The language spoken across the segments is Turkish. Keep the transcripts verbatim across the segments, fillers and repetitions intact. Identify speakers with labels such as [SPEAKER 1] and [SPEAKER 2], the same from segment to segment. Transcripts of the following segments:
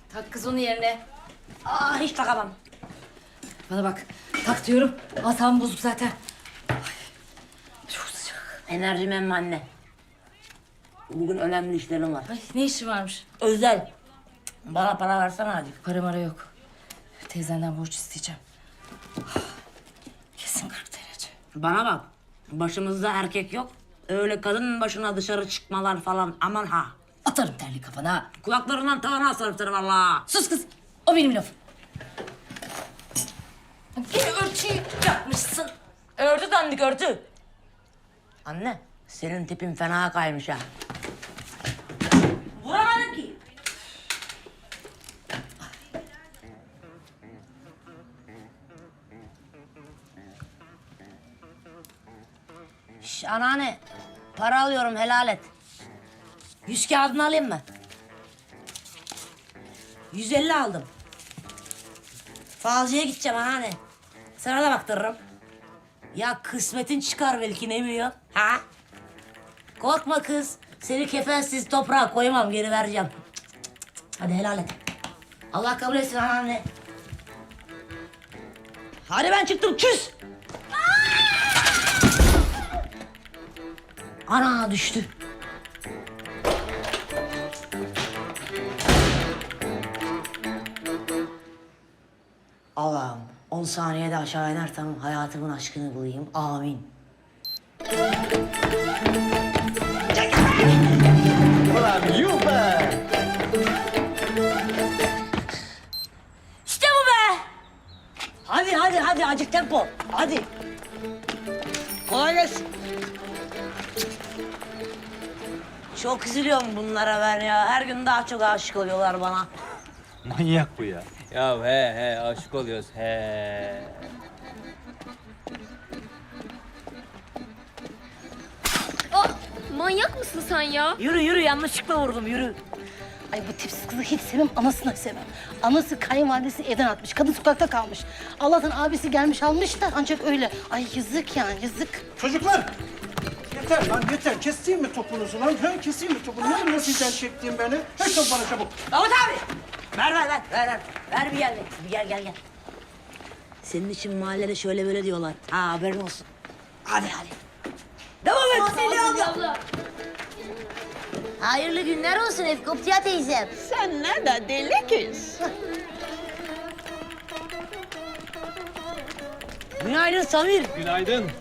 [SPEAKER 1] Tak kız onu yerine.
[SPEAKER 2] Aa, hiç takamam.
[SPEAKER 1] Bana bak, tak diyorum. Asam bozuk zaten. Ay, çok sıcak.
[SPEAKER 2] Enerjim emmi anne. Bugün önemli işlerim var.
[SPEAKER 1] Ay, ne işi varmış?
[SPEAKER 2] Özel. Bana para versene hadi.
[SPEAKER 1] Para mara yok. Teyzenden borç isteyeceğim. Kesin kırk derece.
[SPEAKER 2] Bana bak. Başımızda erkek yok. Öyle kadın başına dışarı çıkmalar falan aman ha.
[SPEAKER 1] Atarım terli kafana.
[SPEAKER 2] Kulaklarından tavana asarım valla.
[SPEAKER 1] Sus kız. O benim lafım. Yine ölçüyü yapmışsın.
[SPEAKER 2] Ördü dandik ördü. Anne senin tipin fena kaymış ha. Vuramadım ki. Şş, anneanne, para alıyorum helal et. Yüz kağıdını alayım mı? Yüz elli aldım. Falcıya gideceğim anneanne. Sana da baktırırım. Ya kısmetin çıkar belki ne biliyorsun? Ha? Korkma kız. Seni kefensiz toprağa koymam geri vereceğim. Hadi helal et. Allah kabul etsin anneanne. Hadi ben çıktım küs. Ana düştü. Allah'ım on saniyede aşağı inersem hayatımın aşkını bulayım. Amin.
[SPEAKER 3] Ulan yuh be!
[SPEAKER 2] İşte bu be! Hadi hadi hadi acık tempo. Hadi. Kolay gelsin. Çok üzülüyorum bunlara ben ya. Her gün daha çok aşık oluyorlar bana.
[SPEAKER 3] Manyak bu ya.
[SPEAKER 4] Ya he he aşık oluyoruz he.
[SPEAKER 5] Aa, manyak mısın sen ya?
[SPEAKER 2] Yürü yürü yanlışlıkla vurdum yürü.
[SPEAKER 6] Ay bu tipsiz kızı hiç sevmem, anasını sevmem. Anası kayınvalidesi evden atmış, kadın sokakta kalmış. Allah'tan abisi gelmiş almış da ancak öyle. Ay yazık yani, yazık.
[SPEAKER 7] Çocuklar! Yeter lan yeter. Keseyim mi topunuzu lan? Ha, keseyim mi topunuzu? Ne biliyorsun sizden çektiğim beni? Ver top bana çabuk.
[SPEAKER 2] Davut abi! Ver ver ver ver ver. Ver bir gel bir gel gel gel. Senin için mahallede şöyle böyle diyorlar. Ha haberin olsun. Hadi hadi. Devam et. Seni abla. Hayırlı günler olsun Efkoptiya teyzem.
[SPEAKER 8] Sen ne de deli kız.
[SPEAKER 2] Günaydın Samir.
[SPEAKER 4] Günaydın.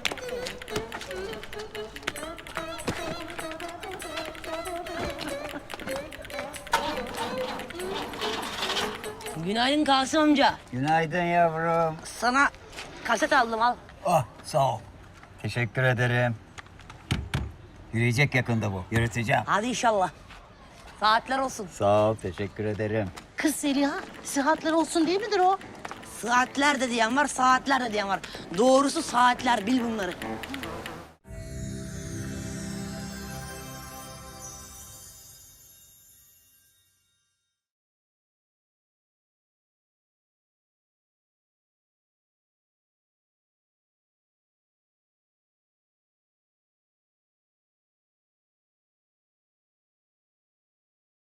[SPEAKER 2] Günaydın Kasım amca.
[SPEAKER 3] Günaydın yavrum.
[SPEAKER 2] Sana kaset aldım al.
[SPEAKER 3] Ah sağ ol. Teşekkür ederim. Yürüyecek yakında bu. Yürüteceğim.
[SPEAKER 2] Hadi inşallah. Saatler olsun.
[SPEAKER 3] Sağ ol, teşekkür ederim.
[SPEAKER 6] Kız Zeliha, sıhhatler olsun değil midir o?
[SPEAKER 2] Saatler de diyen var, saatler de diyen var. Doğrusu saatler, bil bunları.